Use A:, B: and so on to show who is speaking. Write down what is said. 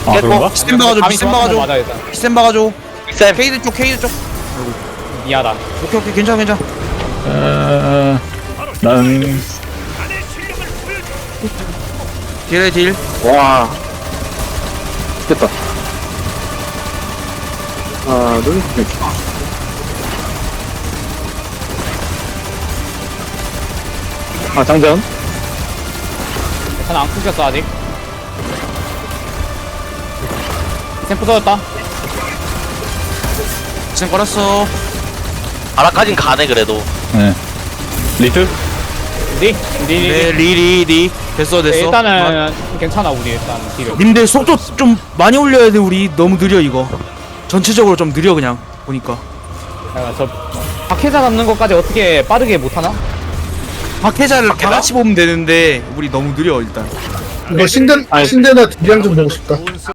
A: 아 그런가?
B: 비스템 박아줘
C: 감이
B: 비스템
C: 좋았던 거
B: 박아줘
C: 맞아 일단.
B: 비스템 박아줘
D: 쌤
B: 케이드 쪽 케이드 쪽
C: 미안하다.
B: 오케이 괜찮아 괜찮아
A: 나는
B: 딜해 딜
E: 와. 됐다. 하나, 둘, 셋. 아, 장전.
C: 괜찮아 안 끊겼어 아직. 샘프 터졌다.
B: 비스템 걸었어
D: 아라까진 가네 그래도.
A: 네 리틀?
C: 리? 리.
B: 네 리리 됐어
C: 네,
B: 됐어
C: 일단은 괜찮아 우리 일단 딜을.
B: 님들 속도 좀 많이 올려야 돼 우리 너무 느려 이거 전체적으로 좀 느려 그냥 보니까
C: 저 박해자 잡는 것까지 어떻게 빠르게 못하나?
B: 박해자를 다
D: 박해자?
B: 같이 보면 되는데 우리 너무 느려 일단
F: 이거 신데나 딜량 좀 보고 싶다.